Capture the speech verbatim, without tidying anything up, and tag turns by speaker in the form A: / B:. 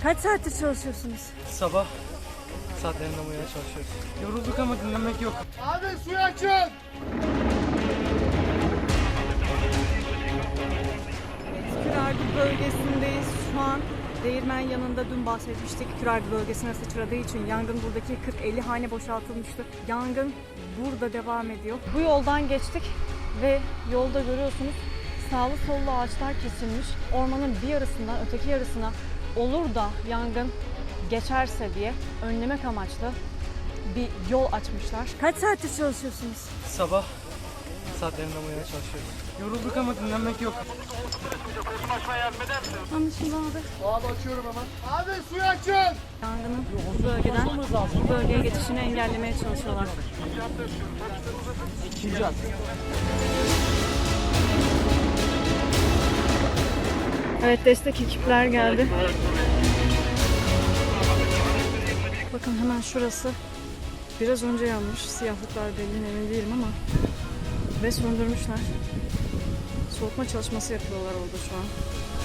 A: Kaç saattir çalışıyorsunuz?
B: Sabah saatlerinde uyumaya çalışıyoruz. Yorulduk ama dinlenmek yok.
C: Abi suyu açın.
A: Kürargı bölgesindeyiz şu an. Değirmen yanında dün bahsetmiştik. Kürargı bölgesine sıçradığı için yangın buradaki kırk elli hane boşaltılmıştı. Yangın burada devam ediyor. Bu yoldan geçtik ve yolda görüyorsunuz sağlı sollu ağaçlar kesilmiş. Ormanın bir yarısından öteki yarısına olur da yangın geçerse diye önlemek amaçlı bir yol açmışlar. Kaç saattir çalışıyorsunuz?
B: Sabah saatlerinde uyumaya çalışıyoruz. Yorulduk ama dinlenmek yok.
A: Anlaşıldı abi.
C: Abi açıyorum hemen. Abi suyu açın.
A: Yangının bu bölgeden bu bölgeye geçişini engellemeye çalışıyorlar. Evet, destek ekipler geldi. Bakın hemen şurası biraz önce yanmış. Siyahlıklar belli, emin değilim ama ve söndürmüşler. Soğutma çalışması yapıyorlar orada şu an.